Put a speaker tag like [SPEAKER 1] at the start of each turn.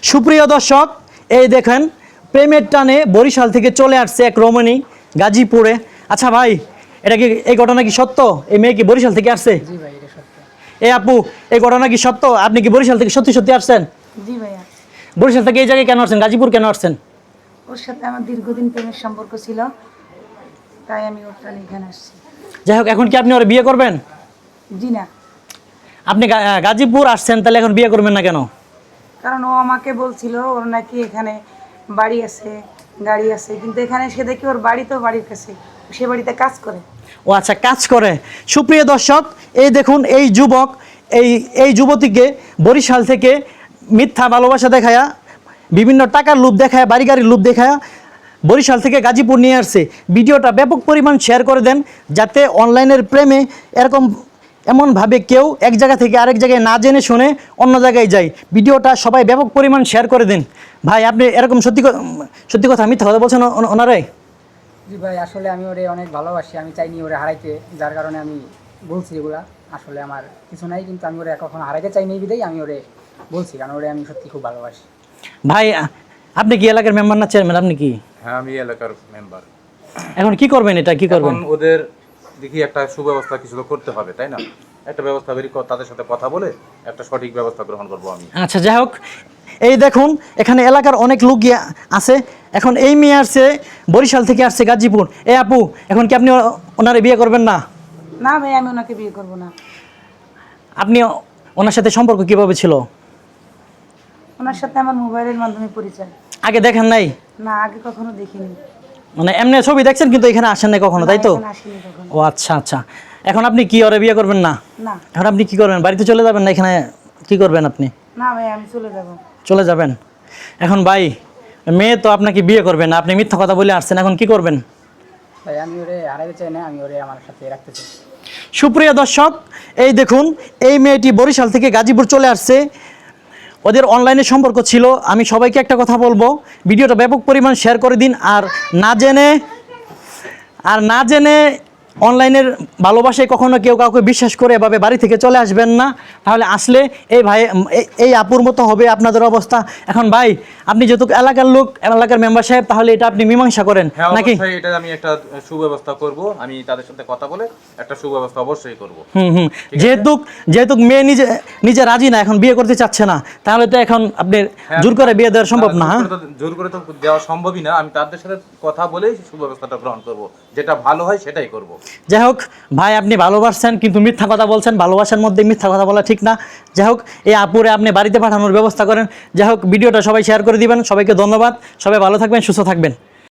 [SPEAKER 1] সুপ্রিয় দর্শক, এই দেখেন প্রেমের টানে বরিশাল থেকে চলে আসছে এক রমণী গাজীপুরে। আচ্ছা ভাই, এটা কি এই ঘটনা কি সত্য? এই মেয়ে কি বরিশাল থেকে আসছে?
[SPEAKER 2] জি ভাই, এটা সত্য।
[SPEAKER 1] এই আপু, এই ঘটনা কি সত্য? আপনি কি বরিশাল থেকে সত্যি সত্যি আসছেন?
[SPEAKER 2] জি ভাইয়া।
[SPEAKER 1] বরিশাল থেকে এই জায়গায় কেন আসছেন? গাজীপুর কেন আসছেন?
[SPEAKER 2] ওর সাথে আমার দীর্ঘদিন প্রেমের সম্পর্ক ছিল, তাই আমি ওর টানে এখানে আসছি।
[SPEAKER 1] যাই হোক, এখন কি আপনি ওরা বিয়ে করবেন?
[SPEAKER 2] জি না,
[SPEAKER 1] আপনি গাজীপুর আসছেন, তাহলে এখন বিয়ে করবেন না কেন?
[SPEAKER 2] কারণ ও আমাকে বলছিল ওর নাকি এখানে বাড়ি আছে, গাড়ি আছে, কিন্তু এখানে এসে দেখি ওর বাড়ি তো বাড়ির কাছে, সে বাড়িতে কাজ করে।
[SPEAKER 1] ও আচ্ছা, কাজ করে। সুপ্রিয় দর্শক, এই দেখুন এই যুবক এই যুবতীকে বরিশাল থেকে মিথ্যা ভালোবাসা দেখায়া, বিভিন্ন টাকার লোভ দেখায়, বাড়ি গাড়ির লোভ দেখায়া বরিশাল থেকে গাজীপুর নিয়ে আসছে। ভিডিওটা ব্যাপক পরিমাণ শেয়ার করে দেন, যাতে অনলাইনের প্রেমে এমনভাবে কেউ এক জায়গা থেকে আরেক জায়গায় না জেনে শুনে অন্য জায়গায় যায়। ভিডিওটা সবাই ব্যাপক পরিমাণ শেয়ার করে দিন। ভাই, আপনি এরকম সত্যি কথা মিথ্যা কথা বলছেন ওনারাই?
[SPEAKER 3] জি ভাই, আসলে আমি ওরে অনেক ভালোবাসি, আমি চাইনি ওরে হারাইতে, যার কারণে আমি বলছি এগুলা। আসলে আমার কিছু নাই, কিন্তু আমি ওরে কখনো হারাইতে চাইনি বিধাই আমি ওরে বলছি, কারণ ওরে আমি সত্যি খুব ভালোবাসি।
[SPEAKER 1] ভাই, আপনি কি এলাকার মেম্বার না চেয়ারম্যান? আপনি কি?
[SPEAKER 4] হ্যাঁ, আমি এলাকার মেম্বার।
[SPEAKER 1] এখন কি করবেন? এটা কি করবেন?
[SPEAKER 4] এখন ওদের দেখি একটা সুব্যবস্থা কিছু তো করতে হবে, তাই না? একটা ব্যবস্থা বের করে তাদের সাথে কথা বলে একটা সঠিক ব্যবস্থা গ্রহণ করব আমি।
[SPEAKER 1] আচ্ছা, যাই হোক, এই দেখুন এখানে এলাকার অনেক লোক আছে। এখন এই মেয়ে আসছে বরিশাল থেকে, আসছে গাজীপুর। আপু, এখন কি আপনি ওনারে বিয়ে করবেন না?
[SPEAKER 2] না ভাই, আমি ওনাকে বিয়ে করব না।
[SPEAKER 1] আপনি ওনার সাথে সম্পর্ক কিভাবে ছিল?
[SPEAKER 2] ওনার সাথে আমার মোবাইলের মাধ্যমে পরিচয়।
[SPEAKER 1] আগে দেখেন নাই?
[SPEAKER 2] না, আগে কখনো দেখিনি।
[SPEAKER 1] মানে এমনি ছবি দেখছেন, কিন্তু এখানে আসেন নাই কখনো, তাই তো?
[SPEAKER 2] এখানে আসিনি কখনো।
[SPEAKER 1] ও আচ্ছা আচ্ছা। এখন আপনি কি ওরে বিয়ে করবেন না?
[SPEAKER 2] না
[SPEAKER 1] এখন আপনি কি করবেন? বাড়িতে চলে যাবেন না? এখানে কি করবেন আপনি?
[SPEAKER 2] না ভাই, আমি চলে যাব।
[SPEAKER 1] চলে যাবেন? এখন ভাই, মেয়ে তো আপনাকে বিয়ে করবেন না, আপনি মিথ্যা কথা বলে আসছেন, এখন কি করবেন?
[SPEAKER 3] ভাই, আমি ওরে হারাইতে চাই না, আমি ওরে আমার সাথে রাখতে চাই।
[SPEAKER 1] সুপ্রিয় দর্শক, এই দেখুন এই মেয়েটি বরিশাল থেকে গাজীপুর চলে আসছে। ওদের অনলাইনে সম্পর্ক ছিল। আমি সবাইকে একটা কথা বলবো, ভিডিওটা ব্যাপক পরিমাণ শেয়ার করে দিন। আর না জেনে অনলাইনের ভালোবাসায় কখনো কেউ কাউকে বিশ্বাস করে এভাবে বাড়ি থেকে চলে আসবেন না। তাহলে আসলে এই ভাই, এই আপুর মতো হবে আপনাদের অবস্থা। এখন ভাই, আপনি যেহেতু এলাকার লোক, এলাকার মেম্বার সাহেব, তাহলে এটা আপনি মীমাংসা করেন
[SPEAKER 4] হ্যাঁ,
[SPEAKER 1] নাকি?
[SPEAKER 4] অবশ্যই এটা আমি একটা সুব্যবস্থা করব, আমি তাদের সাথে কথা বলে একটা সুব্যবস্থা অবশ্যই করব।
[SPEAKER 1] যেহেতু মেয়ে নিজে রাজি না, এখন বিয়ে করতে চাচ্ছে না, তাহলে তো এখন আপনি জোর করে বিয়ে দেওয়া সম্ভব না।
[SPEAKER 4] জোর করে তো দেওয়া সম্ভবই না। আমি তাদের সাথে কথা বলেই সুব্যবস্থাটা গ্রহণ করব, যেটা ভালো হয় সেটাই করব।
[SPEAKER 1] যাই হোক ভাই, আপনি ভালোবাসছেন কিন্তু মিথ্যা কথা বলছেন। ভালোবাসার মধ্যে মিথ্যা কথা বলা ঠিক না। যাই হোক, এই আপুরে আপনি বাড়িতে পাঠানোর ব্যবস্থা করেন। যাই হোক, ভিডিওটা সবাই শেয়ার করে দিবেন। সবাইকে ধন্যবাদ। সবাই ভালো থাকবেন, সুস্থ থাকবেন।